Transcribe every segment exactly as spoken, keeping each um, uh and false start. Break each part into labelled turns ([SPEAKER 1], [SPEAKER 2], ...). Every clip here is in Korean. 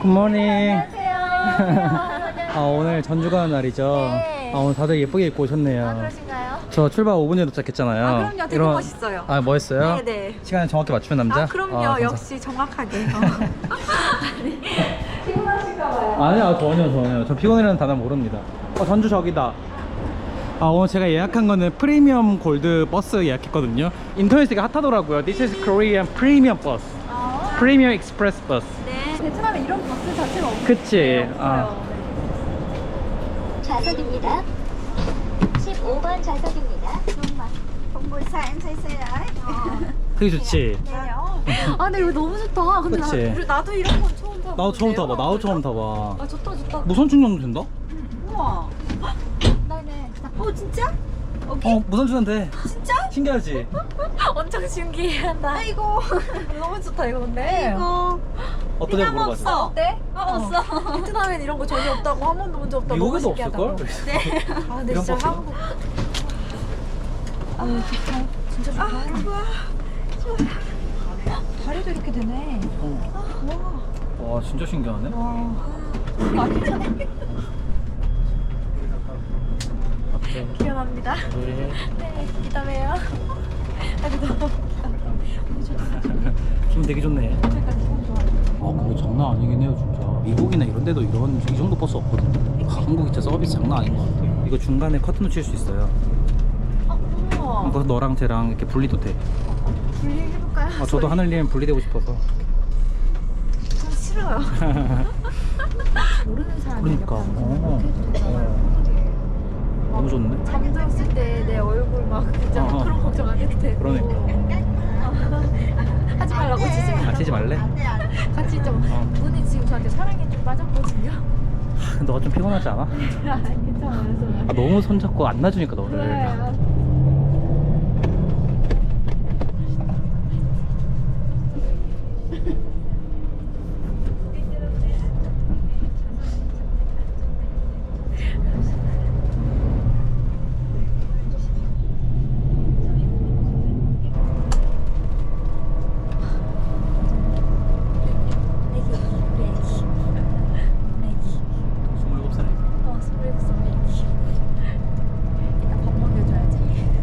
[SPEAKER 1] 굿모닝.
[SPEAKER 2] 안녕하세요.
[SPEAKER 1] 아, 오늘 전주 가는 날이죠?
[SPEAKER 2] 네.
[SPEAKER 1] 아, 오늘 다들 예쁘게 입고 오셨네요.
[SPEAKER 2] 아, 그러신가요?
[SPEAKER 1] 저 출발 오 분 전에 도착했잖아요.
[SPEAKER 2] 아, 그럼요. 되게 멋있어요.
[SPEAKER 1] 아, 멋있어요?
[SPEAKER 2] 네네.
[SPEAKER 1] 시간을 정확히 맞추는 남자?
[SPEAKER 2] 아, 그럼요.
[SPEAKER 1] 아, 감사-
[SPEAKER 2] 역시 정확하게. 어. 피곤하신가봐요.
[SPEAKER 1] 아니요, 전혀 전혀. 저 피곤이라는 단어 모릅니다. 어, 전주 저기다. 아, 오늘 제가 예약한 거는 프리미엄 골드 버스 예약했거든요. 인터넷에 되게 핫하더라고요. This is Korean Premium Bus.
[SPEAKER 2] 아,
[SPEAKER 1] 프리미엄 익스프레스 버스.
[SPEAKER 2] 네. 베트남에 이런 버스 자체가 없어요.
[SPEAKER 1] 그치? 아.
[SPEAKER 3] 좌석입니다. 십오 번 좌석입니다.
[SPEAKER 4] buổi sáng em say xe đấy.
[SPEAKER 1] 되게 좋지?
[SPEAKER 2] 아, 근데 이거 너무 좋다. 근데 나,
[SPEAKER 1] 그치?
[SPEAKER 2] 우리, 나도 이런 건 처음 타봐.
[SPEAKER 1] 나도 처음 타봐. 나도 처음 타봐.
[SPEAKER 2] 아, 좋다, 좋다.
[SPEAKER 1] 무선 충전도 된다?
[SPEAKER 2] 우와. 나네.
[SPEAKER 4] Ồ 진짜?
[SPEAKER 1] 어, 무선 충전 돼.
[SPEAKER 4] 진짜?
[SPEAKER 1] 신기하지?
[SPEAKER 2] 엄청 신기하다.
[SPEAKER 4] 아이고.
[SPEAKER 2] 너무 좋다, 이거 근데.
[SPEAKER 4] 아이고.
[SPEAKER 1] 어떠냐고 물어봤어.
[SPEAKER 2] 어때?
[SPEAKER 4] 어, 없어.
[SPEAKER 2] 베트남엔 이런 거 전혀 없다고 한 번도 본 적 없다고.
[SPEAKER 1] 미국에도
[SPEAKER 2] 너무 신기하다고.
[SPEAKER 1] 없을걸?
[SPEAKER 4] 네.
[SPEAKER 2] 아, 근데
[SPEAKER 1] 이런
[SPEAKER 2] 진짜
[SPEAKER 1] 버스가?
[SPEAKER 2] 한국. 아, 좋다. 진짜 좋다.
[SPEAKER 4] 아, 좋아.
[SPEAKER 2] 다리도 이렇게 되네.
[SPEAKER 1] 와, 와, 진짜 신기하네.
[SPEAKER 2] 와. 완전
[SPEAKER 1] 앞에.
[SPEAKER 2] 기원합니다.
[SPEAKER 1] 네.
[SPEAKER 2] 네, 이따 봬요. 아, 너무
[SPEAKER 1] 기분 되게 좋네.
[SPEAKER 2] 그러니까 너무 좋아요.
[SPEAKER 1] 아, 근데 장난 아니긴 해요, 진짜. 미국이나 이런 데도 이런 이 정도 버스 없거든요. 한국이 진짜 서비스 장난 아닌 것 같아. 이거 중간에 커튼도 칠 수 있어요.
[SPEAKER 2] 아, 우와.
[SPEAKER 1] 그래서 너랑 쟤랑 이렇게 분리도 돼.
[SPEAKER 2] 분리해볼까요?
[SPEAKER 1] 아, 저도 하늘님 분리되고 싶어서.
[SPEAKER 2] 좀 싫어요. 모르는 사람이
[SPEAKER 1] 그러니까. 어. 어. 너무 좋네.
[SPEAKER 2] 잠들었을 때 내 얼굴 막 진짜
[SPEAKER 1] 어.
[SPEAKER 2] 그런 걱정 안 해도 되고.
[SPEAKER 1] 그러니까.
[SPEAKER 2] 하지 말라고 치지 마.
[SPEAKER 1] 아, 치지 말래?
[SPEAKER 2] 같이 좀
[SPEAKER 1] 어.
[SPEAKER 2] 눈이 지금 저한테 사랑에 좀 빠졌거든요.
[SPEAKER 1] 너가 좀 피곤하지 않아?
[SPEAKER 2] 아, 괜찮아요.
[SPEAKER 1] 아, 너무 손잡고 안 놔주니까 너를.
[SPEAKER 2] 그래요.
[SPEAKER 1] 스물일곱 살에.
[SPEAKER 2] 어, 스프레드 선배님. 이따 밥 먹여줘야지.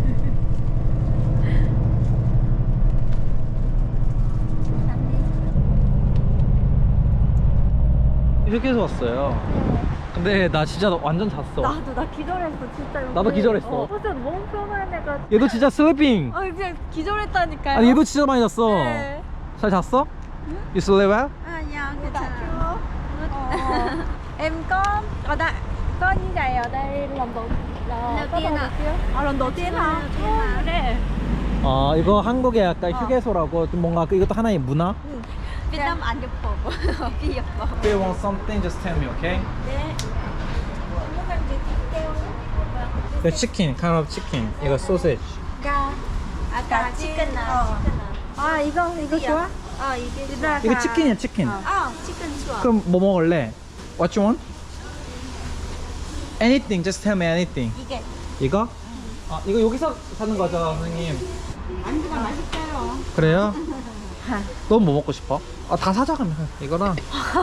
[SPEAKER 1] 휴게소 왔어요. 근데 나 진짜 완전 잤어.
[SPEAKER 2] 나도 나 기절했어 진짜. 여기.
[SPEAKER 1] 나도 기절했어.
[SPEAKER 2] 어, 진짜 너무 편안해가.
[SPEAKER 1] 얘도 진짜 슬리핑.
[SPEAKER 2] 아 그냥 기절했다니까요.
[SPEAKER 1] 아니 얘도 진짜 많이 잤어.
[SPEAKER 2] 네.
[SPEAKER 1] 잘 잤어? You sleep well?
[SPEAKER 4] À, dạ,
[SPEAKER 2] Dạ,
[SPEAKER 4] 괜찮아.
[SPEAKER 2] Ờ. Em có ở đây có như vậy ở đây lần đầu là
[SPEAKER 4] Lần
[SPEAKER 2] có
[SPEAKER 4] tiên
[SPEAKER 2] đầu
[SPEAKER 4] ạ.
[SPEAKER 2] chưa? À lần đầu tiên hả?
[SPEAKER 4] Lần đầu tiên ạ.
[SPEAKER 2] 그래.
[SPEAKER 1] 어, 이거 한국의 약간
[SPEAKER 2] 어.
[SPEAKER 1] 휴게소라고 좀 뭔가 그- 이것도 하나의 문화?
[SPEAKER 4] Việt Nam ăn nhập khẩu. Cái nhập khẩu.
[SPEAKER 1] If you want something, just tell me, okay?
[SPEAKER 4] 네.
[SPEAKER 1] The chicken, kind of chicken. 이거 소시지.
[SPEAKER 4] 가. 아까 치킨 나.
[SPEAKER 2] 아 이거 이거 좋아?
[SPEAKER 4] 어, 이게
[SPEAKER 1] 이거 치킨이야, 치킨.
[SPEAKER 4] 아, 치킨 좋아.
[SPEAKER 1] 그럼 뭐 먹을래? What you want? Anything, just tell me anything.
[SPEAKER 4] 이게
[SPEAKER 1] 이거? 아, 이거 여기서 사는 거죠, 선생님?
[SPEAKER 4] 안주가 맛있어요.
[SPEAKER 1] 그래요? 넌 뭐 먹고 싶어? 아, 다 사자 그러면 이거랑.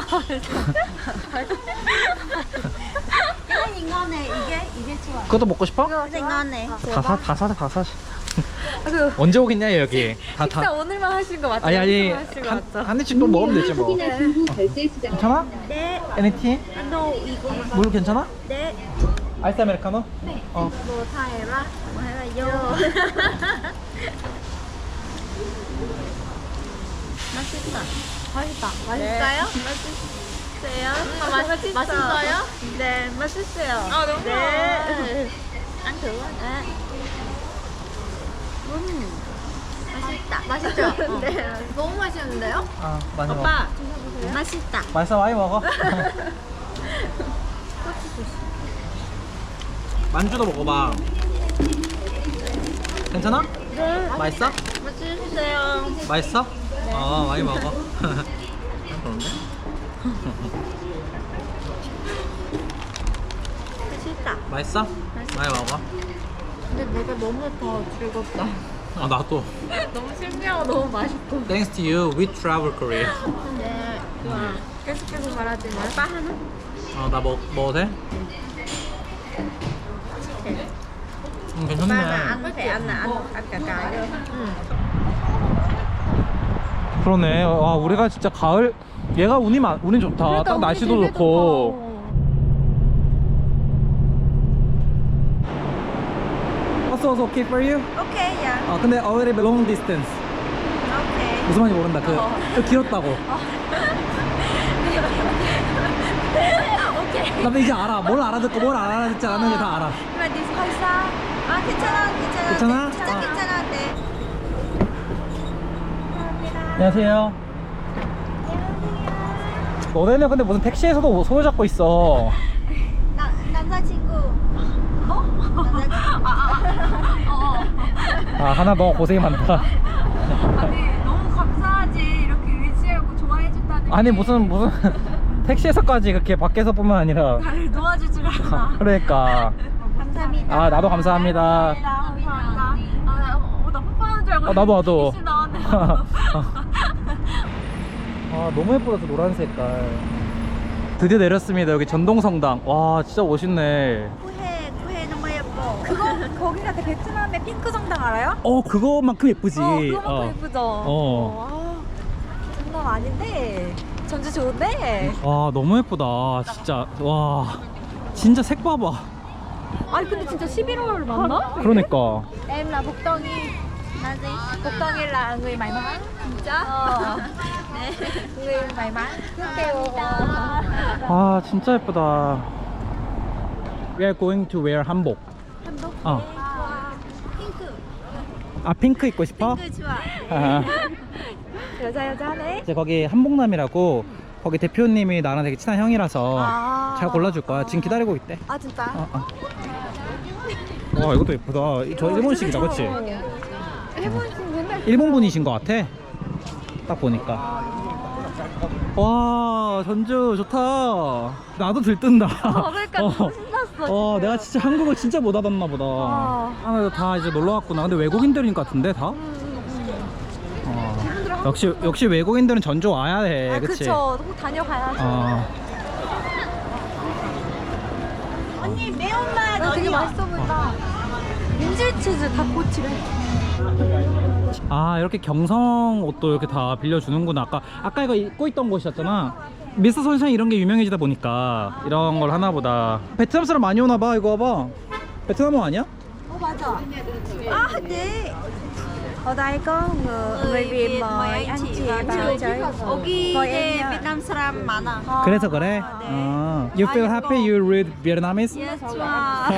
[SPEAKER 4] 이건 이거네. 이게 이게 좋아.
[SPEAKER 1] 그것도 먹고 싶어?
[SPEAKER 4] 이거 이거네.
[SPEAKER 1] 다 사, 다 사자, 다 사자.
[SPEAKER 2] 아, 그
[SPEAKER 1] 언제 오겠냐 여기? 다
[SPEAKER 2] 식사
[SPEAKER 1] 다.
[SPEAKER 2] 오늘만 하신 거 맞죠?
[SPEAKER 1] 아니 아니
[SPEAKER 2] 오늘만 하신 거
[SPEAKER 1] 한,
[SPEAKER 2] 맞죠?
[SPEAKER 1] 한 입씩 또 먹으면 되지 뭐.
[SPEAKER 3] 확인하신 후 결제 수정.
[SPEAKER 1] 괜찮아?
[SPEAKER 4] 네.
[SPEAKER 1] Anything?
[SPEAKER 4] 너 이거.
[SPEAKER 1] 물 괜찮아?
[SPEAKER 4] 네.
[SPEAKER 1] 아이스 아메리카노? 네. 어.
[SPEAKER 4] 뭐 타해라. 뭐 해라. 맛있다.
[SPEAKER 2] 맛있다.
[SPEAKER 4] 맛있어요?
[SPEAKER 2] 맛있어요?
[SPEAKER 4] 아, 맛, 맛있어요? 네, 맛있어요.
[SPEAKER 2] 아 너무
[SPEAKER 4] 네. ăn thử 네. 음. 맛있다.
[SPEAKER 2] 맛있죠?
[SPEAKER 4] 네.
[SPEAKER 2] 너무 맛있는데요?
[SPEAKER 1] 아, 많이 먹어.
[SPEAKER 4] 오빠, 맛있다.
[SPEAKER 1] 맛있어, 많이 먹어. 만주도 먹어봐. 괜찮아?
[SPEAKER 4] 네.
[SPEAKER 1] 맛있어?
[SPEAKER 4] 맛있어요.
[SPEAKER 1] 맛있어? 어, 많이 먹어. 그런데?
[SPEAKER 4] 맛있다.
[SPEAKER 1] 맛있어? 많이 먹어.
[SPEAKER 2] 근데 내가 너무 더 즐겁다.
[SPEAKER 1] 아, 나도.
[SPEAKER 2] 너무 신기하고 너무 맛있고.
[SPEAKER 1] Thanks to you, we travel Korea.
[SPEAKER 4] 네. 좋아.
[SPEAKER 2] 계속 계속 말하지 마. 빠 하나?
[SPEAKER 1] 아나 먹 먹어도 돼? 음, 괜찮네.
[SPEAKER 4] ăn có thể ăn là ăn ăn cả cái thôi.
[SPEAKER 1] 그러네. 와 우리가 진짜 가을 얘가 운이 많 운이 좋다.
[SPEAKER 2] 그러니까
[SPEAKER 1] 딱
[SPEAKER 2] 운이
[SPEAKER 1] 날씨도
[SPEAKER 2] 되게
[SPEAKER 1] 좋고. What's also okay for you?
[SPEAKER 4] Ok dạ.
[SPEAKER 1] 아 근데 already long distance.
[SPEAKER 4] Ok.
[SPEAKER 1] 무슨 말인지 모른다. 그, 그 길었다고. 나도 이제 알아. 뭘 알아듣고 뭘 안 알아듣지 않는 게 다 알아.
[SPEAKER 4] Nhưng mà đi hơi xa. À 괜찮아 괜찮아.
[SPEAKER 1] 괜찮아?
[SPEAKER 4] 진짜
[SPEAKER 1] 아.
[SPEAKER 4] 괜찮아. 네.
[SPEAKER 1] 안녕하세요. 너네는 근데 무슨 택시에서도 손을 잡고 있어.
[SPEAKER 4] 나 남자친구. 어? 남자친구. 아,
[SPEAKER 1] 아 하나 너 고생이 많다.
[SPEAKER 2] 아니 너무 감사하지 이렇게 의지하고 좋아해준다는
[SPEAKER 1] 아니
[SPEAKER 2] 게.
[SPEAKER 1] 무슨 무슨 택시에서까지 그렇게 밖에서뿐만 아니라.
[SPEAKER 2] 나를 도와주질 않아.
[SPEAKER 1] 그러니까.
[SPEAKER 4] 감사합니다.
[SPEAKER 1] 아 나도 감사합니다.
[SPEAKER 2] 감사합니다. 아, 어, 나 뽀뽀하는 줄 알고.
[SPEAKER 1] 아, 나도, 나도.
[SPEAKER 2] 이십 나왔네.
[SPEAKER 1] 아 너무 예쁘다 저 노란 색깔. 드디어 내렸습니다. 여기 전동성당. 와 진짜 멋있네.
[SPEAKER 4] 구해 구해 너무 예뻐.
[SPEAKER 2] 그거 거기가 그 베트남의 핑크 성당 알아요?
[SPEAKER 1] 어 그거만큼 예쁘지.
[SPEAKER 2] 어 그거만큼
[SPEAKER 1] 어.
[SPEAKER 2] 예쁘죠.
[SPEAKER 1] 어.
[SPEAKER 2] 아, 장난 아닌데 전주 좋은데.
[SPEAKER 1] 와 너무 예쁘다 진짜. 와 진짜 색 봐봐.
[SPEAKER 2] 아니 근데 진짜 십일월 맞나?
[SPEAKER 1] 그러니까.
[SPEAKER 2] Em là Phục Tony.
[SPEAKER 4] Là gì?
[SPEAKER 2] Phục Tony là người may mắn.
[SPEAKER 4] 진짜?
[SPEAKER 2] Ờ.
[SPEAKER 4] 네.
[SPEAKER 2] người may mắn. Cứ kêu
[SPEAKER 1] 아 진짜 예쁘다. We are going to wear 한복.
[SPEAKER 2] 한복.
[SPEAKER 1] 어.
[SPEAKER 4] 핑크.
[SPEAKER 1] 아 핑크 입고 싶어?
[SPEAKER 4] 핑크 좋아.
[SPEAKER 1] 아,
[SPEAKER 2] 여자 여자네.
[SPEAKER 1] 이제 거기 한복남이라고 거기 대표님이 나랑 되게 친한 형이라서
[SPEAKER 2] 아.
[SPEAKER 1] 잘 골라줄 거야. 지금 기다리고 있대.
[SPEAKER 2] 아 진짜?
[SPEAKER 1] 어, 어. 와 이것도 예쁘다. 저 일본식이다, 그렇지?
[SPEAKER 2] 일본식 맨날.
[SPEAKER 1] 일본 분이신 것 같아. 딱 보니까. 와 전주 좋다. 나도 들뜬다.
[SPEAKER 2] 어, 그러니까 너무 신났어.
[SPEAKER 1] 어,
[SPEAKER 2] 진짜.
[SPEAKER 1] 내가 진짜 한국을 진짜 못 알았나 보다.
[SPEAKER 2] 어.
[SPEAKER 1] 아, 다 이제 놀러 왔구나. 근데 외국인들인 것 같은데 다. 어. 역시 역시 외국인들은 전주 와야 해.
[SPEAKER 2] 아
[SPEAKER 1] 그치?
[SPEAKER 2] 그쵸. 꼭 다녀가야죠.
[SPEAKER 1] 어.
[SPEAKER 4] 언니 매운맛
[SPEAKER 2] 아, 되게
[SPEAKER 4] 어디야?
[SPEAKER 2] 맛있어 보인다. 인질 치즈 닭꼬치래.
[SPEAKER 1] 아 이렇게 경성 옷도 이렇게 다 빌려주는구나. 아까 아까 이거 입고 있던 곳이었잖아. 미스터 선샤인 이런 게 유명해지다 보니까 이런 걸 하나 보다. 베트남 사람 많이 오나 봐. 이거 봐봐. 베트남어 아니야?
[SPEAKER 2] 어 맞아.
[SPEAKER 4] À 네.
[SPEAKER 2] Ở đây có người, người Việt mời anh chị vào chơi.
[SPEAKER 4] 여기
[SPEAKER 2] Mời
[SPEAKER 4] 네,
[SPEAKER 2] em nha.
[SPEAKER 4] 베트남 사람 많아.
[SPEAKER 1] 그래서 그래? 어. You feel happy you read Vietnamese?
[SPEAKER 4] 예, 좋아.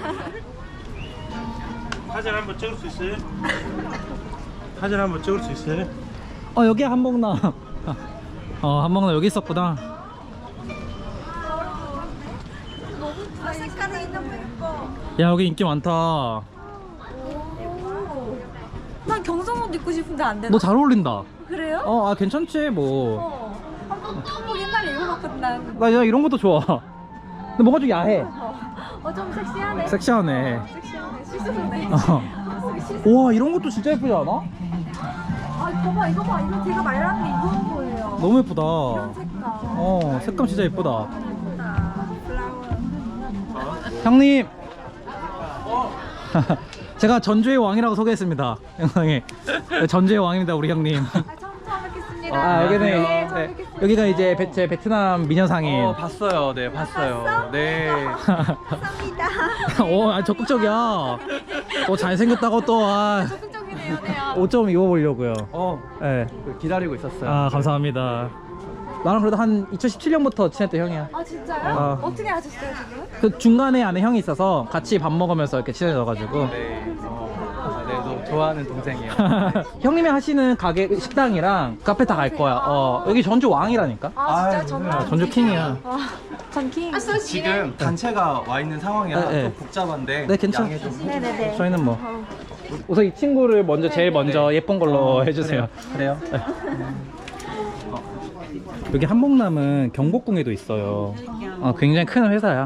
[SPEAKER 5] 사진 한번 찍을 수 있어요? 사진 한번 찍을 수 있어요?
[SPEAKER 1] 어 여기 한복남. 어 한복남 여기 있었구나.
[SPEAKER 4] 아, 색깔이 너무 예뻐.
[SPEAKER 1] 야 여기 인기 많다.
[SPEAKER 2] 난 경성옷 입고 싶은데 안 되나?
[SPEAKER 1] 너 잘 어울린다.
[SPEAKER 2] 그래요?
[SPEAKER 1] 어 아 괜찮지 뭐.
[SPEAKER 2] 어. 한복 한복 옛날에 입어봤거든 난.
[SPEAKER 1] 나 야, 이런 것도 좋아. 근데 뭔가 좀 야해.
[SPEAKER 2] 어 좀 섹시하네.
[SPEAKER 1] 섹시하네.
[SPEAKER 2] 섹시하네. 시스루네.
[SPEAKER 1] 어. 와 이런 것도 진짜 예쁘지 않아?
[SPEAKER 2] 아 이거 봐 이거 봐 이거 제가 말한 게 이건 거예요.
[SPEAKER 1] 너무 예쁘다.
[SPEAKER 2] 이런 색깔.
[SPEAKER 1] 어 색감 진짜 예쁘다.
[SPEAKER 2] 예쁘다.
[SPEAKER 1] 형님. 제가 전주의 왕이라고 소개했습니다. 영상에. 네, 전주의 왕입니다 우리 형님.
[SPEAKER 2] 아, 처음 처음 뵙겠습니다.
[SPEAKER 1] 아 여기는
[SPEAKER 2] 네, 처음
[SPEAKER 1] 네,
[SPEAKER 2] 뵙겠습니다.
[SPEAKER 1] 여기가 이제 베, 제 베트남 미녀상인.
[SPEAKER 6] 어, 봤어요. 네, 봤어요. 네.
[SPEAKER 4] 감사합니다.
[SPEAKER 1] 어, 아, 적극적이야. 또 잘생겼다고 또 아,
[SPEAKER 2] 적극적이네요. 네요.
[SPEAKER 1] 옷 좀 입어보려고요.
[SPEAKER 6] 어,
[SPEAKER 1] 네.
[SPEAKER 6] 기다리고 있었어요.
[SPEAKER 1] 아 감사합니다. 나랑 그래도 한 이천십칠 년부터 친했던 형이야.
[SPEAKER 2] 아 진짜요?
[SPEAKER 1] 아.
[SPEAKER 2] 어떻게 아셨어요 지금?
[SPEAKER 1] 그 중간에 아는 형이 있어서 같이 밥 먹으면서 이렇게 친해져가지고.
[SPEAKER 6] 네. 어, 네, 너무 좋아하는 동생이에요.
[SPEAKER 1] 형님이 하시는 가게 식당이랑 카페 다 갈 거야. 어 여기 전주 왕이라니까.
[SPEAKER 2] 아 진짜
[SPEAKER 6] 아유,
[SPEAKER 2] 전주
[SPEAKER 1] 아, 전주 킹이야.
[SPEAKER 2] 아, 전킹.
[SPEAKER 6] 지금 단체가 와 있는 상황이라
[SPEAKER 1] 네, 네.
[SPEAKER 6] 좀 복잡한데
[SPEAKER 1] 네, 괜찮-
[SPEAKER 6] 양해 좀
[SPEAKER 2] 네네네.
[SPEAKER 1] 저희는 뭐 우선 이 친구를 먼저 제일 먼저 예쁜 걸로 해주세요.
[SPEAKER 6] 그래요?
[SPEAKER 1] 여기 한복남은 경복궁에도 있어요. 어, 굉장히 큰 회사야.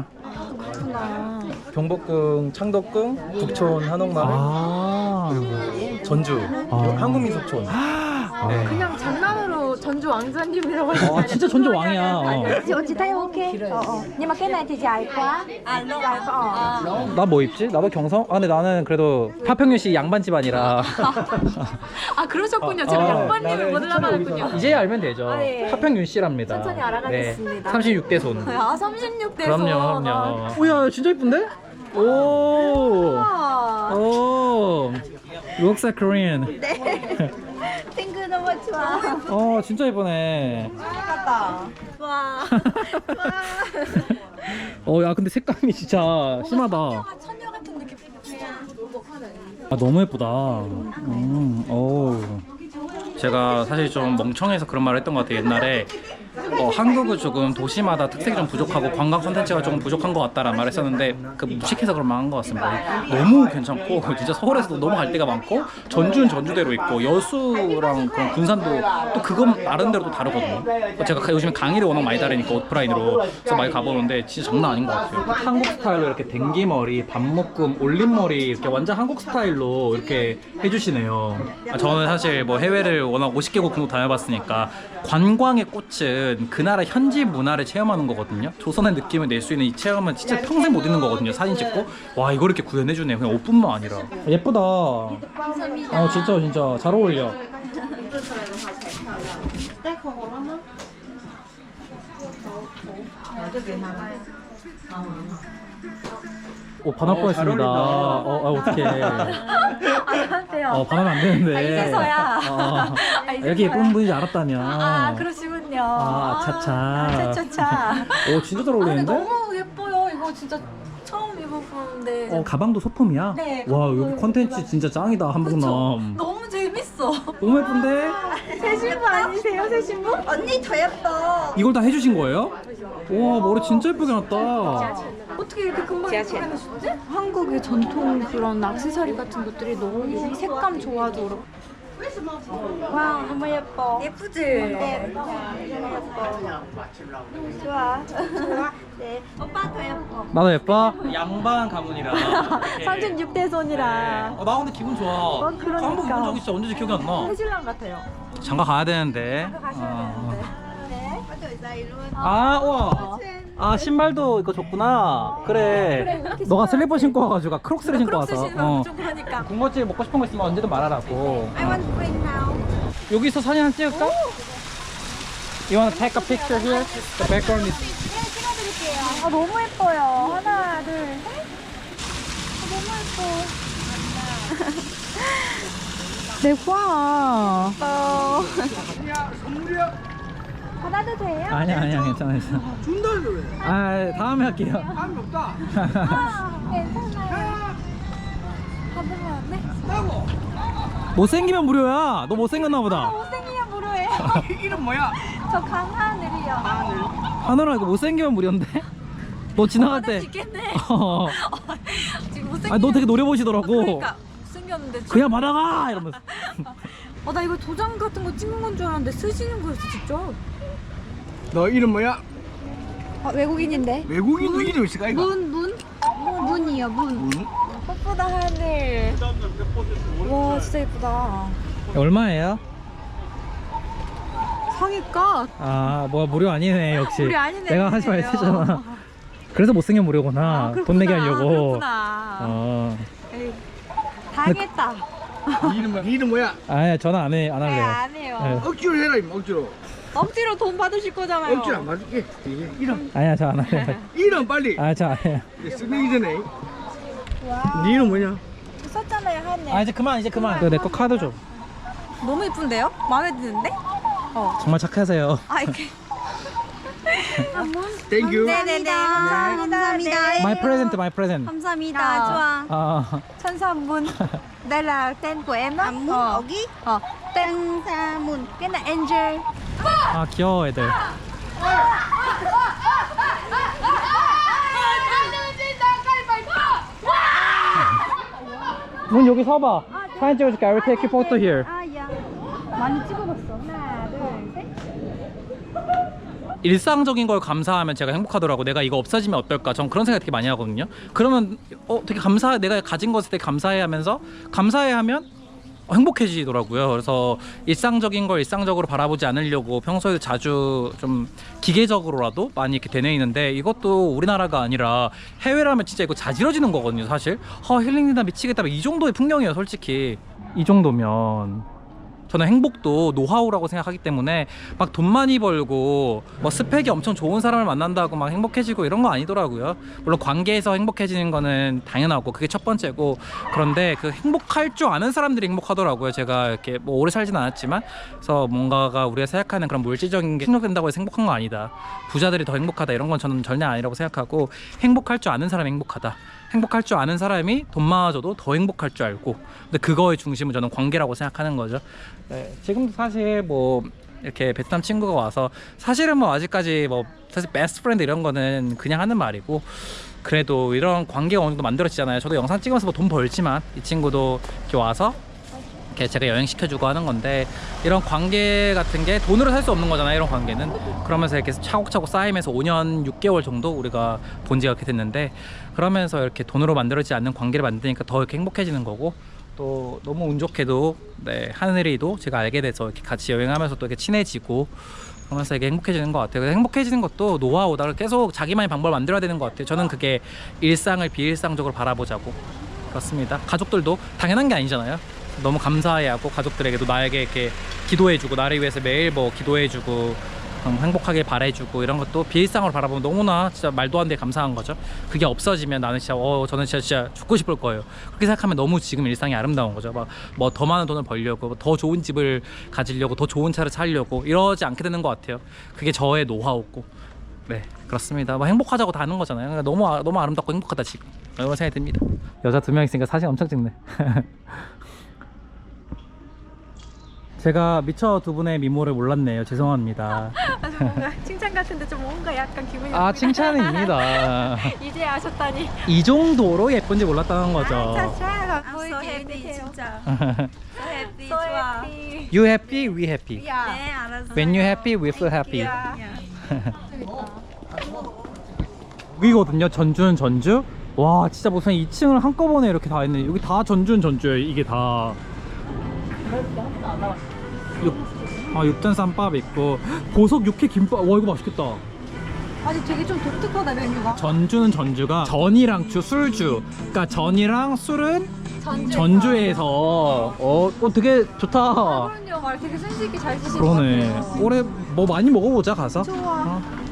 [SPEAKER 6] 경복궁, 창덕궁, 북촌, 한옥마을,
[SPEAKER 1] 아.
[SPEAKER 6] 전주,
[SPEAKER 1] 아.
[SPEAKER 6] 한국민속촌.
[SPEAKER 1] 아.
[SPEAKER 6] 네.
[SPEAKER 2] 그냥 장난으로 전주 전주 왕자님이라고 하시면
[SPEAKER 1] 어, 진짜 전주 왕이야. 어.
[SPEAKER 2] chị chị thấy ok ờ, ờ. nhưng mà cái này thì dài quá
[SPEAKER 4] 아, lâu
[SPEAKER 2] dài quá ờ.
[SPEAKER 1] 나 뭐 입지? 나도 경성? 아 근데 나는 그래도 파평윤씨 양반 집안이라
[SPEAKER 2] 아 그러셨군요. 제가
[SPEAKER 1] 어,
[SPEAKER 2] 양반님을 못 알아봤군요.
[SPEAKER 1] 이제 알면 되죠.
[SPEAKER 2] 아, 예.
[SPEAKER 1] 파평윤씨랍니다.
[SPEAKER 2] 천천히 알아가겠습니다.
[SPEAKER 1] 네, 삼십육 대 손.
[SPEAKER 2] 아 삼십육 대에서
[SPEAKER 1] 그럼요, 그럼요. 오야 진짜 예쁜데? 오.
[SPEAKER 2] 아,
[SPEAKER 1] 오. Looks like Korean.
[SPEAKER 2] 네. 핑크 너무 좋아.
[SPEAKER 1] 어 진짜 예쁘네.
[SPEAKER 2] 와.
[SPEAKER 1] 어 야 근데 색감이 진짜 심하다.
[SPEAKER 2] 천녀 같은 느낌.
[SPEAKER 1] 아 너무 예쁘다. 음, 오. 제가 사실 좀 멍청해서 그런 말을 했던 것 같아요. 옛날에 어, 한국은 조금 도시마다 특색이 좀 부족하고 관광 콘텐츠가 조금 부족한 것 같다라는 말을 했었는데 그 무식해서 그런 말 한 것 같습니다. 너무 괜찮고 진짜 서울에서도 너무 갈 데가 많고 전주는 전주대로 있고 여수랑 그런 군산도 또 그건 나름대로 또 다르거든요. 제가 요즘에 강의를 워낙 많이 다니니까 오프라인으로 그래서 많이 가보는데 진짜 장난 아닌 것 같아요. 한국 스타일로 이렇게 댕기머리, 반묶음, 올림머리 이렇게 완전 한국 스타일로 이렇게 해주시네요. 아, 저는 사실 뭐 해외를 워낙 오십 개국 정도 다녀봤으니까 관광의 꽃은 그 나라 현지 문화를 체험하는 거거든요. 조선의 느낌을 낼 수 있는 이 체험은 진짜 평생 못 잊는 거거든요. 사진 찍고 와 이걸 이렇게 구현해주네요. 그냥 옷뿐만 아니라 예쁘다.
[SPEAKER 2] 감사합니다.
[SPEAKER 1] 어 진짜 진짜 잘 어울려. 오 반할 뻔했습니다. 어, 아, 어떡해.
[SPEAKER 2] 안녕하세요.
[SPEAKER 1] 어 반하면 안 되는데.
[SPEAKER 2] 아, 이제서야.
[SPEAKER 1] 어,
[SPEAKER 2] 아, 이제서야.
[SPEAKER 1] 이렇게 예쁜 분인지 알았다면.
[SPEAKER 2] 아 그러시군요.
[SPEAKER 1] 아, 차차.
[SPEAKER 2] 아, 차차차.
[SPEAKER 1] 오 진짜 잘
[SPEAKER 2] 아, 근데
[SPEAKER 1] 어울리는데?
[SPEAKER 2] 너무 예뻐요. 이거 진짜 처음 입어보는데.
[SPEAKER 1] 어 가방도 소품이야?
[SPEAKER 2] 네,
[SPEAKER 1] 와
[SPEAKER 2] 가방도
[SPEAKER 1] 여기 컨텐츠 진짜 짱이다 한국남.
[SPEAKER 2] 너무 재밌어.
[SPEAKER 1] 너무 예쁜데?
[SPEAKER 2] 새 신부 아니세요? 새 신부?
[SPEAKER 4] 언니 더 예뻐.
[SPEAKER 1] 이걸 다 해주신 거예요? 와 머리 진짜 예쁘게 났다.
[SPEAKER 2] 어떻게 이렇게 금방 해주셨지? 한국의 전통 그런 액세서리 같은 것들이 너무 색감 좋아도 그렇고. 와 너무 예뻐.
[SPEAKER 4] 예쁘지?
[SPEAKER 2] 네. 너무 예뻐. 좋아. 좋아. 네.
[SPEAKER 4] 오빠 더 예뻐.
[SPEAKER 1] 나도 예뻐? 양반 가문이라.
[SPEAKER 2] 삼십육 대 손이라.
[SPEAKER 1] 어, 나 근데 기분 좋아.
[SPEAKER 2] 어, 그러니까.
[SPEAKER 1] 한국 입은 적이 진짜 언제지 기억이 안 나.
[SPEAKER 2] 해질랑 같아요.
[SPEAKER 1] 장가 가야 되는데.
[SPEAKER 2] 가셔야
[SPEAKER 1] 어.
[SPEAKER 2] 되는데. 네.
[SPEAKER 1] 아, 우와. 아, 신발도 이거 줬구나. 그래.
[SPEAKER 2] 그래, 이렇게
[SPEAKER 1] 너가
[SPEAKER 2] 신발-
[SPEAKER 1] 슬리퍼 신고 와가지고 크록스를 신고
[SPEAKER 2] 크록스
[SPEAKER 1] 와서.
[SPEAKER 2] 신으면 좀 그러니까.
[SPEAKER 1] 군것질 먹고 싶은 거 있으면 언제든 말하라고.
[SPEAKER 4] I want to bring now.
[SPEAKER 1] 여기서 사진 한 찍을까? You wanna take a picture here? The background is.
[SPEAKER 2] 아 너무 예뻐요. 하나, 둘, 셋. 아, 너무 예뻐. 내 과. 어. 받아도 돼요?
[SPEAKER 1] 아니야, 아니야, 괜찮아, 괜찮아.
[SPEAKER 5] 준다는데 왜?
[SPEAKER 1] 아, 다음에 할게요.
[SPEAKER 5] 사람이 없다.
[SPEAKER 2] 아, 괜찮아요. 받으면 안 돼?
[SPEAKER 1] 못생기면 무료야. 너 못생겼나 보다.
[SPEAKER 2] 못생기면 무료예요.
[SPEAKER 5] 이름 뭐야?
[SPEAKER 2] 저 강하늘이요.
[SPEAKER 5] 하늘.
[SPEAKER 1] 하늘아 이거 못생기면 무료인데? 너 지나갈 때.
[SPEAKER 2] 죽겠네.
[SPEAKER 1] 어.
[SPEAKER 2] 지금 못생기면.
[SPEAKER 1] 아, 너 되게 노래 보시더라고.
[SPEAKER 2] 그러니까 생겼는데.
[SPEAKER 1] 그냥 받아가 이러면서.
[SPEAKER 2] 어, 나 이거 도장 같은 거 찍는 건 줄 알았는데 쓰시는 거였어 직접.
[SPEAKER 5] 너 이름 뭐야?
[SPEAKER 2] 아, 외국인인데.
[SPEAKER 5] 외국인도 이름 있을까 이거?
[SPEAKER 2] 문, 문? 문이요, 문.
[SPEAKER 5] 문?
[SPEAKER 2] 예쁘다 하늘. 와 진짜 예쁘다.
[SPEAKER 1] 얼마예요?
[SPEAKER 2] 상의가
[SPEAKER 1] 아, 뭐야 무료 아니네 역시.
[SPEAKER 2] 무료 아니네.
[SPEAKER 1] 내가 하지 말랬잖아. 그래서 못생긴 무료구나. 돈 내게 하려고.
[SPEAKER 2] 그렇구나.
[SPEAKER 1] 어.
[SPEAKER 2] 에이, 당했다.
[SPEAKER 5] 이름 뭐야? 이름 뭐야?
[SPEAKER 1] 아니 전화 안 해, 안
[SPEAKER 2] 네,
[SPEAKER 1] 할래요.
[SPEAKER 2] 안 해요.
[SPEAKER 1] 네.
[SPEAKER 5] 억지로 해라 이거 억지로.
[SPEAKER 2] 억지로 돈 받으실 거잖아요.
[SPEAKER 5] 억지로 안 맞을게. 이게 이름.
[SPEAKER 1] 아니야 저 안 할래요.
[SPEAKER 5] 이름 빨리.
[SPEAKER 1] 아 저 안 해요.
[SPEAKER 5] 이제 쓰기 전에.
[SPEAKER 2] 와.
[SPEAKER 5] 네 이름 뭐냐?
[SPEAKER 2] 썼잖아요 하늘.
[SPEAKER 1] 아 이제 그만 이제 그만. 내 거 카드 줘.
[SPEAKER 2] 너무 예쁜데요? 마음에 드는데? 어.
[SPEAKER 1] 정말 착하세요.
[SPEAKER 2] 아 이렇게.
[SPEAKER 5] 땡큐.
[SPEAKER 2] 네네네. 감사합니다. 네.
[SPEAKER 1] My present, my present.
[SPEAKER 2] 감사합니다. 좋아.
[SPEAKER 1] 아,
[SPEAKER 2] 천사문. Đây là tên của em đó.
[SPEAKER 4] À, Mun,
[SPEAKER 2] Ờ.
[SPEAKER 4] Ogi.
[SPEAKER 2] Ờ. Tên
[SPEAKER 4] Sa Mun.
[SPEAKER 2] cái là Angel.
[SPEAKER 1] 아 귀여워 애들. 문 여기 서봐. 사진 찍어줄게. I will take a photo here.
[SPEAKER 2] 아, 야. 많이 찍어봤어. 하나, 둘, 셋.
[SPEAKER 1] 일상적인 걸 감사하면 제가 행복하더라고. 내가 이거 없어지면 어떨까? 전 그런 생각 되게 많이 하거든요. 그러면 어 되게 감사, 내가 가진 것에 되게 감사해 하면서 감사해 하면 행복해지더라고요. 그래서 일상적인 걸 일상적으로 바라보지 않으려고 평소에도 자주 좀 기계적으로라도 많이 이렇게 되뇌이는데, 이것도 우리나라가 아니라 해외라면 진짜 이거 자지러지는 거거든요 사실. 아 힐링이다 미치겠다 이 정도의 풍경이에요 솔직히. 이 정도면 저는 행복도 노하우라고 생각하기 때문에 막 돈 많이 벌고 뭐 스펙이 엄청 좋은 사람을 만난다고 막 행복해지고 이런 거 아니더라고요. 물론 관계에서 행복해지는 거는 당연하고 그게 첫 번째고, 그런데 그 행복할 줄 아는 사람들이 행복하더라고요. 제가 이렇게 뭐 오래 살진 않았지만, 그래서 뭔가가 우리가 생각하는 그런 물질적인 게 충족된다고 해서 행복한 거 아니다, 부자들이 더 행복하다 이런 건 저는 전혀 아니라고 생각하고, 행복할 줄 아는 사람이 행복하다, 행복할 줄 아는 사람이 돈 많아져도 더 행복할 줄 알고, 근데 그거의 중심은 저는 관계라고 생각하는 거죠. 네, 지금도 사실 뭐 이렇게 베트남 친구가 와서 사실은 뭐 아직까지 뭐 사실 베스트 프렌드 이런 거는 그냥 하는 말이고, 그래도 이런 관계가 어느 정도 만들어지잖아요. 저도 영상 찍으면서 뭐 돈 벌지만 이 친구도 이렇게 와서 이렇게 제가 여행 시켜주고 하는 건데, 이런 관계 같은 게 돈으로 살 수 없는 거잖아요. 이런 관계는. 그러면서 이렇게 차곡차곡 쌓이면서 오 년 육 개월 정도 우리가 본 지가 이렇게 됐는데, 그러면서 이렇게 돈으로 만들어지지 않는 관계를 만드니까 더 이렇게 행복해지는 거고, 또 너무 운 좋게도 네, 하늘이도 제가 알게 돼서 이렇게 같이 여행하면서 또 이렇게 친해지고 그러면서 이게 행복해지는 것 같아요. 그래서 행복해지는 것도 노하우다. 계속 자기만의 방법을 만들어야 되는 것 같아요. 저는 그게 일상을 비일상적으로 바라보자고. 그렇습니다. 가족들도 당연한 게 아니잖아요. 너무 감사해하고 가족들에게도 나에게 이렇게 기도해주고, 나를 위해서 매일 뭐 기도해주고 음, 행복하게 바래주고 이런 것도 비일상으로 바라보면 너무나 진짜 말도 안 되게 감사한 거죠. 그게 없어지면 나는 진짜 어 저는 진짜 진짜 죽고 싶을 거예요. 그렇게 생각하면 너무 지금 일상이 아름다운 거죠. 막 뭐 더 많은 돈을 벌려고, 더 좋은 집을 가지려고, 더 좋은 차를 사려고 이러지 않게 되는 것 같아요. 그게 저의 노하우고. 네 그렇습니다. 뭐 행복하자고 다 하는 거잖아요. 그러니까 너무 아, 너무 아름답고 행복하다 지금 이런 생각이 듭니다. 여자 두 명 있으니까 사진 엄청 찍네. 제가 미처 두 분의 미모를 몰랐네요. 죄송합니다.
[SPEAKER 2] 아주 뭔가 칭찬 같은데 좀 뭔가 약간 기분이
[SPEAKER 1] 아
[SPEAKER 2] 나쁘다.
[SPEAKER 1] 칭찬입니다.
[SPEAKER 2] 이제 아셨다니.
[SPEAKER 1] 이 정도로 예쁜지 몰랐다는 거죠.
[SPEAKER 2] 아,
[SPEAKER 4] I'm so happy 진짜. So happy
[SPEAKER 2] So
[SPEAKER 4] 좋아.
[SPEAKER 2] happy.
[SPEAKER 1] You happy, we happy.
[SPEAKER 2] 야.
[SPEAKER 4] 네 알았어.
[SPEAKER 1] When you happy, we feel happy.
[SPEAKER 2] 야.
[SPEAKER 1] 여기거든요. 전주는 전주. 와 진짜 무슨 이 층을 한꺼번에 이렇게 다 했네. 여기 다 전주는 전주예요. 이게 다. 육, 아 육전 쌈밥 있고 보석 육회 김밥. 와 이거 맛있겠다.
[SPEAKER 2] 아니 되게 좀 독특하다 메뉴가.
[SPEAKER 1] 전주는 전주가 전이랑 주 술주. 그러니까 전이랑 술은
[SPEAKER 2] 전주.
[SPEAKER 1] 전주에서 어, 어 되게 좋다.
[SPEAKER 2] 그럼요. 말 되게 센스 있게 잘 드실 것
[SPEAKER 1] 그러네.
[SPEAKER 2] 같아요.
[SPEAKER 1] 올해 뭐 많이 먹어보자 가서.
[SPEAKER 2] 좋아.
[SPEAKER 1] 어.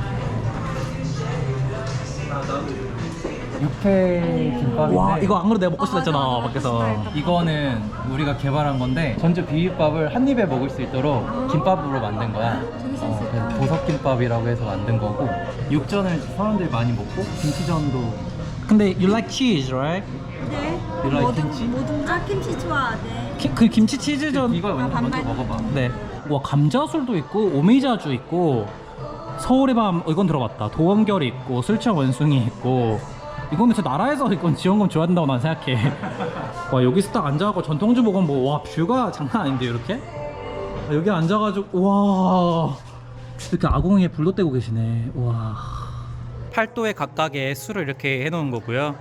[SPEAKER 1] 육회 김밥인데, 와 이거 안 그래도 내가 먹고 싶었잖아.
[SPEAKER 2] 아, 맞아, 맞아.
[SPEAKER 1] 밖에서. 이거는 우리가 개발한 건데 전주 비빔밥을 한 입에 먹을 수 있도록 김밥으로 만든 거야. 어, 그래서 보석김밥이라고 해서 만든 거고, 육전을 사람들이 많이 먹고 김치전도. 근데 you like cheese, right?
[SPEAKER 4] 네.
[SPEAKER 1] You like 김치?
[SPEAKER 4] 모든 아 김치 좋아. 네.
[SPEAKER 1] 키, 그 김치 치즈전.
[SPEAKER 6] 이거 먼저, 먼저 먹어봐.
[SPEAKER 1] 네. 와 감자술도 있고 오미자주 있고 서울의 밤 어, 이건 들어봤다. 도원결이 있고 술취한 원숭이 있고. 이거는 진짜 나라에서 이건 지원금 줘야 된다고 난 생각해. 와 여기서 딱 앉아갖고 전통주 먹으면 뭐 와 뷰가 장난 아닌데 이렇게? 아, 여기 앉아가지고 와 이렇게 아궁이에 불도 떼고 계시네. 와 팔도에 각각의 술을 이렇게 해놓은 거고요.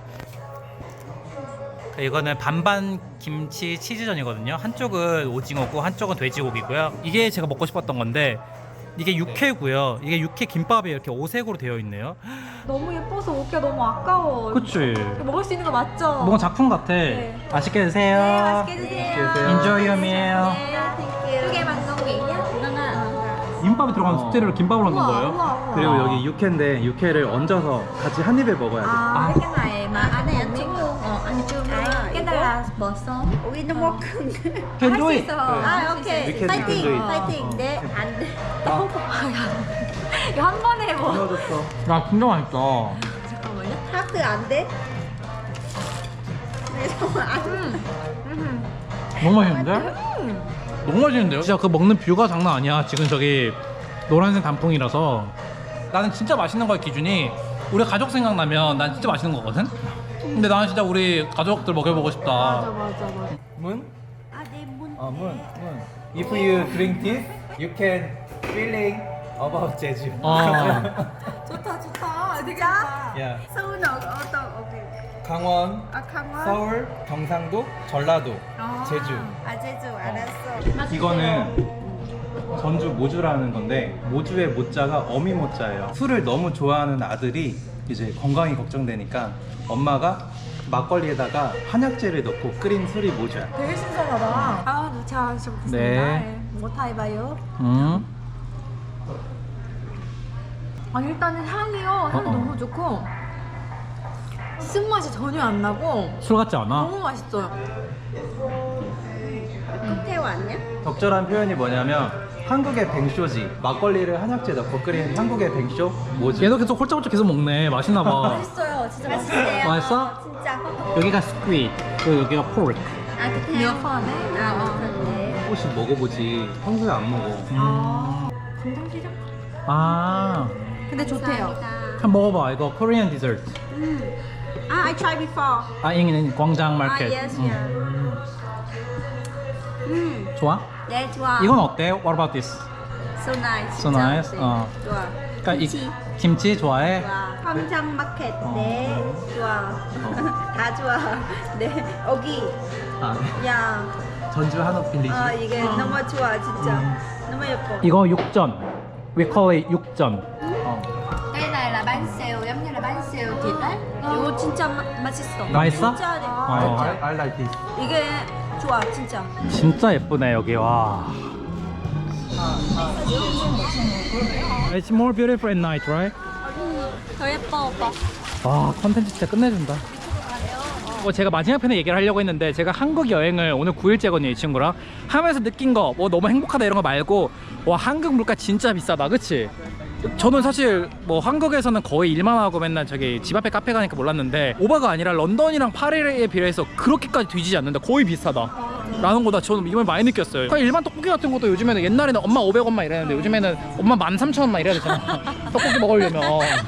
[SPEAKER 1] 이거는 반반 김치 치즈전이거든요. 한쪽은 오징어고 한쪽은 돼지고기고요. 이게 제가 먹고 싶었던 건데 이게 육회고요. 이게 육회 김밥이 이렇게 오색으로 되어 있네요.
[SPEAKER 2] 너무 예뻐서 먹기가 너무 아까워.
[SPEAKER 1] 그치?
[SPEAKER 2] 이거 먹을 수 있는 거 맞죠?
[SPEAKER 1] 뭔가 작품 같아.
[SPEAKER 2] 네.
[SPEAKER 1] 맛있게 드세요.
[SPEAKER 4] 네 맛있게 드세요.
[SPEAKER 1] Enjoy your meal.
[SPEAKER 4] 네. 두개 만든 거예요?
[SPEAKER 1] 김밥에 들어가는 스테레오를 김밥으로 넣는
[SPEAKER 2] 우와,
[SPEAKER 1] 거예요?
[SPEAKER 2] 우와, 우와.
[SPEAKER 6] 그리고
[SPEAKER 1] 아.
[SPEAKER 6] 여기 육회인데 육회를 얹어서 같이 한 입에 먹어야 돼.
[SPEAKER 4] À, cái này mà anh này ăn chung luôn. Ờ, ăn chung luôn. Cái này là bò xông. Ui, nó 먹
[SPEAKER 1] Can do it.
[SPEAKER 4] 아, 오케이.
[SPEAKER 6] We can- we can do
[SPEAKER 4] 파이팅.
[SPEAKER 6] it.
[SPEAKER 4] 파이팅. 네. 안 돼.
[SPEAKER 2] 이거 한 번에 뭐.
[SPEAKER 6] 끊어졌어.
[SPEAKER 1] 야 진짜 맛있다.
[SPEAKER 4] 잠깐만요. 하트 안 돼? 네, 정말 안 돼.
[SPEAKER 1] 너무 맛있는데? 너무 맛있는데요? 진짜 그 먹는 뷰가 장난 아니야. 지금 저기 노란색 단풍이라서. 나는 진짜 맛있는 거의 기준이 우리 가족 생각나면 난 진짜 맛있는 거거든? 근데 나는 진짜 우리 가족들 먹여보고 싶다.
[SPEAKER 2] 맞아 맞아 맞아.
[SPEAKER 6] 문?
[SPEAKER 4] 아, 네, 문.
[SPEAKER 6] 어, 문. 문. If you drink this, you can feeling about 제주.
[SPEAKER 1] 어.
[SPEAKER 2] 좋다 좋다. 되게 좋다.
[SPEAKER 6] Yeah.
[SPEAKER 4] 서운 어, 어떤 오케이.
[SPEAKER 6] 강원,
[SPEAKER 4] 아 강원.
[SPEAKER 6] 서울, 경상도, 전라도, 제주.
[SPEAKER 4] 아 제주 알았어.
[SPEAKER 1] 이거는 전주 모주라는 건데 모주의 모자가 어미 모자예요. 술을 너무 좋아하는 아들이 이제 건강이 걱정되니까 엄마가 막걸리에다가 한약재를 넣고 끓인 술이 모주야.
[SPEAKER 2] 되게 신선하다. 아, 잘 먹겠습니다.
[SPEAKER 1] 네.
[SPEAKER 4] 뭐 타이바요?
[SPEAKER 1] 음.
[SPEAKER 2] 아, 일단은 향이요. 향
[SPEAKER 1] 어, 어.
[SPEAKER 2] 너무 좋고 쓴맛이 전혀 안 나고
[SPEAKER 1] 술 같지 않아?
[SPEAKER 2] 너무 맛있어요.
[SPEAKER 4] 칵테일 아니야?
[SPEAKER 1] 적절한 표현이 뭐냐면 한국의 뱅쇼지. 막걸리를 한약재 넣고 끓인 한국의 뱅쇼 모주. 얘도 계속 홀짝홀짝 계속 먹네. 맛있나 봐.
[SPEAKER 4] 맛있어요. 진짜 맛있어요.
[SPEAKER 1] 맛있어?
[SPEAKER 4] 진짜.
[SPEAKER 1] 여기가 스퀴드, 그리고 여기가 포르크.
[SPEAKER 4] 아 그때.
[SPEAKER 2] 묘파네.
[SPEAKER 4] 아 그때.
[SPEAKER 1] 혹시 먹어보지. 평소에 안 먹어.
[SPEAKER 2] 아, 간장게장?
[SPEAKER 1] 아,
[SPEAKER 2] 근데 좋대요.
[SPEAKER 1] 한번 먹어봐. 이거 코리안 디저트.
[SPEAKER 4] 아, I tried before.
[SPEAKER 1] 아, 여기는 광장 마켓.
[SPEAKER 4] 아, yes,
[SPEAKER 1] 음.
[SPEAKER 4] yeah. 음,
[SPEAKER 1] 좋아?
[SPEAKER 4] 네 좋아.
[SPEAKER 1] 이건 어때? What about this?
[SPEAKER 4] So nice.
[SPEAKER 1] So
[SPEAKER 4] 진짜.
[SPEAKER 1] nice?
[SPEAKER 4] 네,
[SPEAKER 1] 어.
[SPEAKER 4] 좋아.
[SPEAKER 1] 그러니까 이
[SPEAKER 4] 김치.
[SPEAKER 1] 김치 좋아해?
[SPEAKER 4] 좋아. 광장 마켓.
[SPEAKER 1] 어.
[SPEAKER 4] 네, 좋아. 다 좋아. 네, 여기.
[SPEAKER 1] 아,
[SPEAKER 4] 야,
[SPEAKER 1] 전주 한옥 빌리지.
[SPEAKER 4] 아 이게 너무 좋아 진짜. 너무 예뻐.
[SPEAKER 1] 이거 육전. We call it 육전. 어.
[SPEAKER 4] Cái này là bánh xèo giống như là bánh xèo thịt đấy. 이거 진짜 마, 맛있어.
[SPEAKER 1] 맛있어?
[SPEAKER 4] 진짜 네.
[SPEAKER 1] 어, I, I like this.
[SPEAKER 4] 이게 좋아 진짜.
[SPEAKER 1] 진짜 예쁘네 여기. 와. It's more beautiful at night, right?
[SPEAKER 4] 더 예뻐 오빠.
[SPEAKER 1] 와, 컨텐츠 진짜 끝내준다. 뭐 제가 마지막 편에 얘기를 하려고 했는데 제가 한국 여행을 오늘 구 일째거든요 이 친구랑 하면서 느낀 거 뭐 너무 행복하다 이런 거 말고 와 한국 물가 진짜 비싸다 그치? 저는 사실 뭐 한국에서는 거의 일만 하고 맨날 저기 집 앞에 카페 가니까 몰랐는데 오바가 아니라 런던이랑 파리에 비해서 그렇게까지 뒤지지 않는다. 거의 비싸다 라는 거다. 저는 이번에 많이 느꼈어요. 그냥 일반 떡볶이 같은 것도 요즘에는 옛날에는 엄마 오백 원만 이랬는데 요즘에는 엄마 만 삼천 원만 이래야 되잖아. 떡볶이 먹으려면.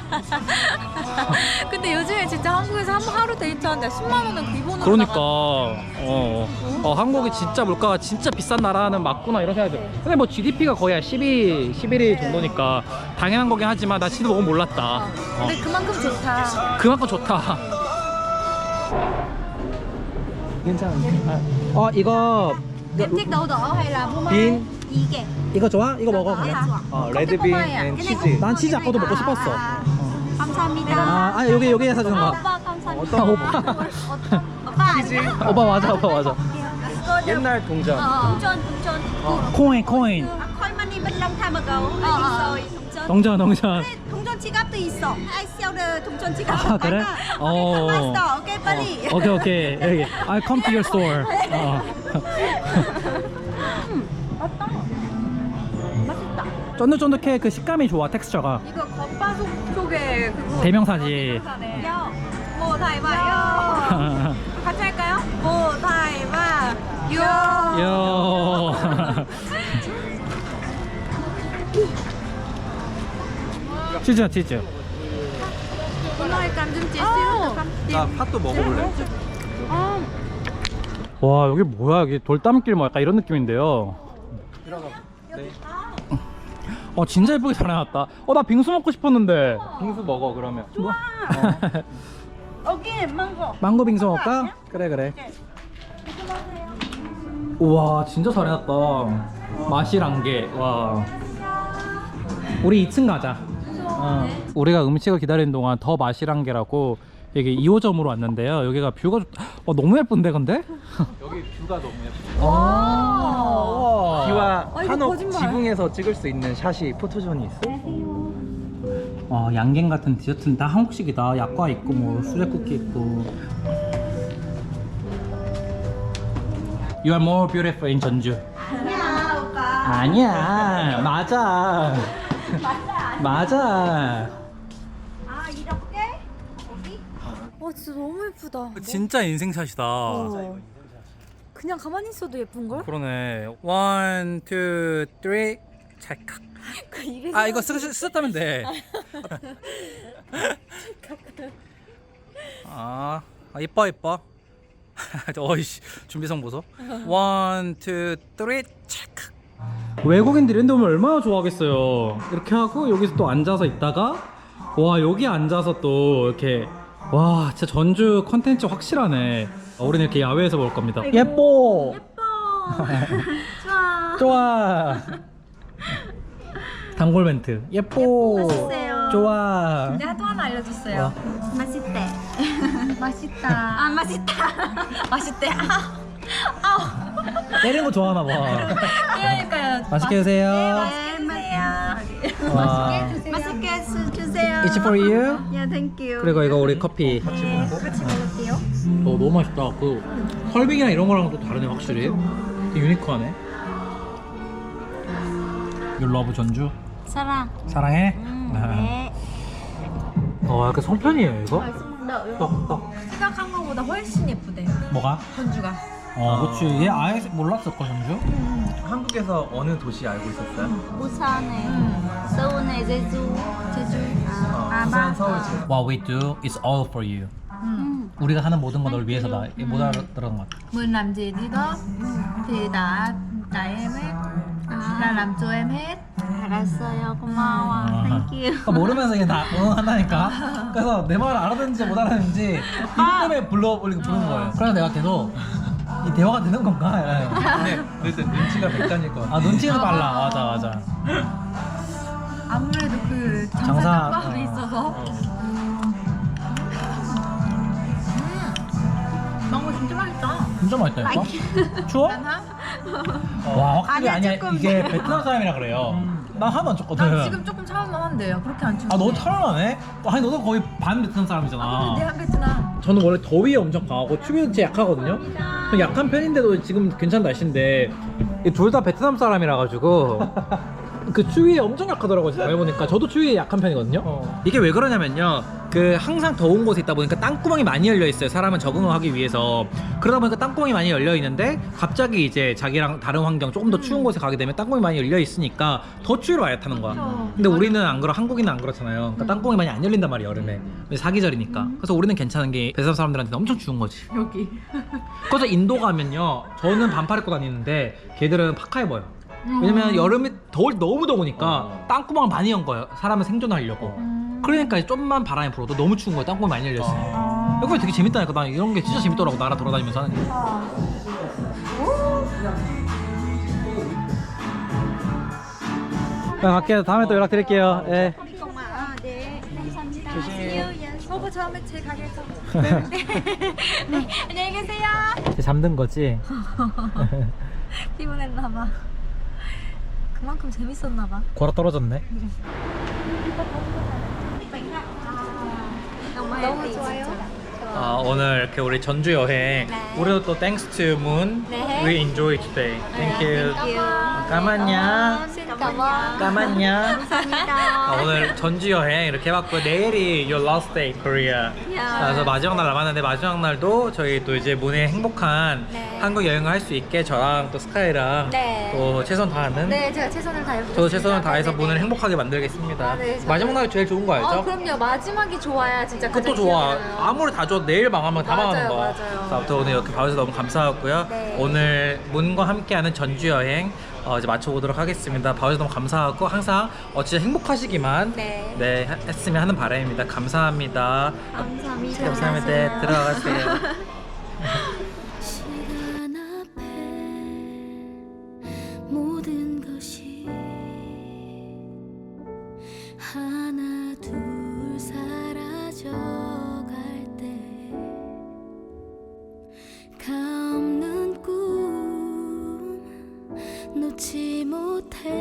[SPEAKER 2] 근데 요즘에 진짜 한국에서 한 하루 데이트하는데 십만 원은 기본으로
[SPEAKER 1] 그러니까
[SPEAKER 2] 나가.
[SPEAKER 1] 어, 어, 한국이 진짜 물가가 진짜 비싼 나라는 맞구나 이런 생각이 들어요. 근데 뭐 지디피가 거의 한 십이, 십일 위 정도니까 당연한 거긴 하지만 나 진짜 너무 몰랐다. 어,
[SPEAKER 2] 근데 그만큼 좋다.
[SPEAKER 1] 그만큼 좋다. 괜찮아. 어 이거
[SPEAKER 4] Em thích đậu đỏ hay là phô mai?
[SPEAKER 1] 빈
[SPEAKER 4] 이게.
[SPEAKER 1] 이거 좋아? 이거 먹어 그냥. 어 레드빈 앤 치즈. 난 치즈 아까도 먹고 싶었어.
[SPEAKER 4] 감사합니다.
[SPEAKER 1] 아, 아 여기 여기에 사주는 거.
[SPEAKER 4] 오빠 감사합니다.
[SPEAKER 1] 어떤 오빠?
[SPEAKER 4] 오빠
[SPEAKER 1] 치즈. 오빠 맞아 오빠 맞아. 옛날 동전.
[SPEAKER 4] 동전 동전.
[SPEAKER 1] 코인 코인.
[SPEAKER 4] 아, 콜마니 benlang tham ago. 있어 동전.
[SPEAKER 1] 동전 동전.
[SPEAKER 4] 동전 지갑도 있어. I sell the 동전 지갑.
[SPEAKER 1] 아 그래? 어.
[SPEAKER 4] 맛있어. 오케이 빨리.
[SPEAKER 1] 어, 오케이 오케이 여기 I come to your store. 어.
[SPEAKER 2] 맛있다.
[SPEAKER 1] 쫀득쫀득해. 그 식감이 좋아. 텍스처가.
[SPEAKER 2] 이거 겉바속 속에 그거.
[SPEAKER 1] 대명사지.
[SPEAKER 2] 요. 뭐 다이바요. 같이 할까요? 뭐 다이바. 요.
[SPEAKER 1] 요. 치즈야 치즈.
[SPEAKER 2] 오늘 감좀 찌시요.
[SPEAKER 1] 나 팥도 먹어볼래. 와 여기 뭐야? 여기 돌담길 뭐 약간 이런 느낌인데요. 어 진짜 예쁘게 잘 해놨다. 어 나 빙수 먹고 싶었는데. 빙수 먹어 그러면. 좋아.
[SPEAKER 4] 오케이 망고.
[SPEAKER 1] 망고 빙수 먹을까? 그래 그래. 우와 진짜 잘 해놨다. 맛이란 게 와. 우리 이 층 가자. 어. 우리가 음식을 기다리는 동안 더 맛이란 게라고 여기 이 호점으로 왔는데요. 여기가 뷰가 좋... 어, 너무 예쁜데 근데?
[SPEAKER 6] 여기 뷰가 너무 예뻐.
[SPEAKER 1] 와.
[SPEAKER 6] 비와
[SPEAKER 2] 아, 이거
[SPEAKER 6] 한옥
[SPEAKER 2] 거짓말.
[SPEAKER 6] 지붕에서 찍을 수 있는 샷이 포토존이 있어.
[SPEAKER 1] 어, 양갱 같은 디저트는 다 한국식이다. 약과 있고 뭐 수제 쿠키 있고. You are more beautiful in 전주.
[SPEAKER 4] 아니야 오빠.
[SPEAKER 1] 아니야. 맞아. 맞아.
[SPEAKER 4] 아 이렇게? 여기?
[SPEAKER 2] 어 진짜 너무 예쁘다.
[SPEAKER 1] 진짜 인생샷이다.
[SPEAKER 2] 어. 그냥 가만히 있어도 예쁜 걸?
[SPEAKER 1] 그러네. 원, 투, 쓰리. 찰칵.
[SPEAKER 2] 그 입에.
[SPEAKER 1] 아 이거 쓰, 쓰, 쓰다면 돼. 아, 아 이뻐 이뻐. 어이씨 준비성 보소. 원, 투, 쓰리. 찰칵. 외국인들이 이런데 오면 얼마나 좋아하겠어요. 이렇게 하고 여기서 또 앉아서 있다가 와 여기 앉아서 또 이렇게 와 진짜 전주 컨텐츠 확실하네. 어, 우리는 이렇게 야외에서 먹을 겁니다. 예뻐.
[SPEAKER 4] 좋아.
[SPEAKER 1] 좋아. 단골 멘트. 예뻐.
[SPEAKER 4] 맛있어요.
[SPEAKER 1] 좋아.
[SPEAKER 4] 내가 또 하나 알려줬어요.
[SPEAKER 1] 와.
[SPEAKER 4] 맛있대. 맛있다. 아 맛있다. 맛있대. 아.
[SPEAKER 1] 때리는 거 좋아하나 봐.
[SPEAKER 4] 그러니까요.
[SPEAKER 1] 맛있게 드세요.
[SPEAKER 4] 맛있게 드세요.
[SPEAKER 1] 와.
[SPEAKER 4] 맛있게 주세요.
[SPEAKER 1] It's for you.
[SPEAKER 4] Yeah, thank you.
[SPEAKER 1] 그리고 이거 우리 커피.
[SPEAKER 4] 같이 먹을게요.
[SPEAKER 1] 어, 너무 맛있다. 그 설빙이랑 이런 거랑 또 다르네 확실히. 되게 유니크하네. You love 전주?
[SPEAKER 4] 사랑.
[SPEAKER 1] 사랑해?
[SPEAKER 4] 네.
[SPEAKER 1] 어 약간 송편이에요 이거? 떡, 떡.
[SPEAKER 4] 생각한 거보다 훨씬 예쁘대요.
[SPEAKER 1] 뭐가?
[SPEAKER 4] 전주가.
[SPEAKER 1] 어 그치 얘 아예 몰랐을걸 전주?
[SPEAKER 6] 한국에서 어느 도시 알고 있었어요?
[SPEAKER 4] 부산에, 서울에, 제주, 제주.
[SPEAKER 6] 어,
[SPEAKER 4] 아,
[SPEAKER 6] 부산,
[SPEAKER 4] 맞아.
[SPEAKER 6] 서울, 제주.
[SPEAKER 1] What we do is all for you. 우리가 하는 모든 건 널 위해서다. 이게 못 알아들은 것 같아.
[SPEAKER 4] Mình làm gì đi đó thì đã tại em hết. Là làm cho em hết. 알았어요. 고마워. Thank you.
[SPEAKER 1] 그러니까 모르면서 그냥 다 응원한다니까. 그래서 내 말을 알아듣는지 못 알아듣는지 이 때문에 불러 부르는 거예요. 그래서 내가 계속 이 대화가 되는 건가? 이래요.
[SPEAKER 6] 근데 그래서 눈치가 백단일 것 같아.
[SPEAKER 1] 아 눈치는 빨라. 맞아 맞아.
[SPEAKER 4] 아무래도 그
[SPEAKER 1] 장사-
[SPEAKER 4] 장사 깜빡이
[SPEAKER 1] 어.
[SPEAKER 4] 있어서. 망고 진짜 맛있다.
[SPEAKER 1] 진짜 맛있다니까? 추워? 와 확실히
[SPEAKER 4] 아니야,
[SPEAKER 1] 아니야
[SPEAKER 4] 조금.
[SPEAKER 1] 이게 베트남 사람이라 그래요. 난 하나도 안 쪘거든.
[SPEAKER 4] 난 지금 조금 차올만한데요. 그렇게 안 춥네.
[SPEAKER 1] 아 너 차려나네? 아니 너도 거의 반 베트남 사람이잖아.
[SPEAKER 4] 아, 근데 내한 베트남.
[SPEAKER 1] 저는 원래 더위에 엄청 강하고 추위는 진짜 약하거든요. 약한 편인데도 지금 괜찮은 날씨인데 둘 다 베트남 사람이라 가지고 그 추위에 엄청 약하더라고요. 제가 해보니까 저도 추위에 약한 편이거든요.
[SPEAKER 6] 어.
[SPEAKER 1] 이게 왜 그러냐면요, 그 항상 더운 곳에 있다 보니까 땅구멍이 많이 열려 있어요. 사람은 적응을 하기 위해서. 그러다 보니까 땅구멍이 많이 열려 있는데 갑자기 이제 자기랑 다른 환경 조금 더 추운 곳에 가게 되면 땅구멍이 많이 열려 있으니까 더 추위를 많이 타는 거야. 근데 우리는 안 그렇 한국인은 안 그렇잖아요. 그러니까 땅구멍이 많이 안 열린단 말이에요, 여름에. 사계절이니까. 그래서 우리는 괜찮은 게 베트남 사람들한테는 엄청 추운 거지.
[SPEAKER 4] 여기.
[SPEAKER 1] 그래서 인도 가면요, 저는 반팔 입고 다니는데 걔들은 파카 입어요. 왜냐면 여름에 더울 너무 더우니까
[SPEAKER 6] 어.
[SPEAKER 1] 땅구멍을 많이 연 거예요. 사람은 생존하려고. 그러니까 좀만 바람이 불어도 너무 추운 거예요. 땅구멍이 많이 열려 있어요. 이거 되게 재밌다니까. 나 이런 게 진짜 재밌더라고. 나라 돌아다니면서 하는 게. 갈게요. 다음에 또 연락드릴게요. 예.
[SPEAKER 4] 아, 네. 감사합니다.
[SPEAKER 1] 조심히.
[SPEAKER 4] 오빠 다음에 제 가게에서. 네. 안녕히 계세요.
[SPEAKER 1] 이제 잠든 거지?
[SPEAKER 4] 피곤했나봐. 그만큼 재밌었나봐.
[SPEAKER 1] 골아 떨어졌네.
[SPEAKER 4] 너무 좋아요.
[SPEAKER 1] 아, 오늘 이렇게 우리 전주 여행 우리도 또 thanks to Moon
[SPEAKER 4] 네.
[SPEAKER 1] we enjoy today. Thank you. 까만냐. 까만냐. 아, 오늘 전주 여행 이렇게 해봤고 내일이 your last day Korea. 그래서 마지막 날 남았는데 마지막 날도 저희 또 이제 문의 행복한
[SPEAKER 4] 네.
[SPEAKER 1] 한국 여행을 할 수 있게 저랑 또 스카이랑
[SPEAKER 4] 네.
[SPEAKER 1] 또 최선 다하는
[SPEAKER 4] 네, 제가 최선을 다해보겠습니다.
[SPEAKER 1] 저도 최선을 다해서
[SPEAKER 4] 네네네.
[SPEAKER 1] 문을 행복하게 만들겠습니다.
[SPEAKER 4] 아, 네, 저도.
[SPEAKER 1] 마지막 날이 제일 좋은 거 알죠?
[SPEAKER 4] 어, 그럼요. 마지막이 좋아야 진짜
[SPEAKER 1] 그것도
[SPEAKER 4] 가장
[SPEAKER 1] 좋아.
[SPEAKER 4] 기억에 나요.
[SPEAKER 1] 아무리 다 좋아. 내일 망하면 다
[SPEAKER 4] 맞아요,
[SPEAKER 1] 망하는 거야.
[SPEAKER 4] 맞아요.
[SPEAKER 1] 그래서 아무튼 오늘 이렇게 봐주셔서 너무 감사하고요.
[SPEAKER 4] 네.
[SPEAKER 1] 오늘 문과 함께하는 전주 여행 어, 이제 마쳐보도록 하겠습니다. 봐주셔서 너무 감사하고 항상 어, 진짜 행복하시기만
[SPEAKER 4] 네.
[SPEAKER 1] 네, 하- 했으면 하는 바람입니다. 감사합니다.
[SPEAKER 4] 감사합니다.
[SPEAKER 1] 감사합니다. 네, 들어가세요.
[SPEAKER 7] 시간 앞에 모든 것이 하나 둘 사라져갈 때 가없는 꿈 놓지 못해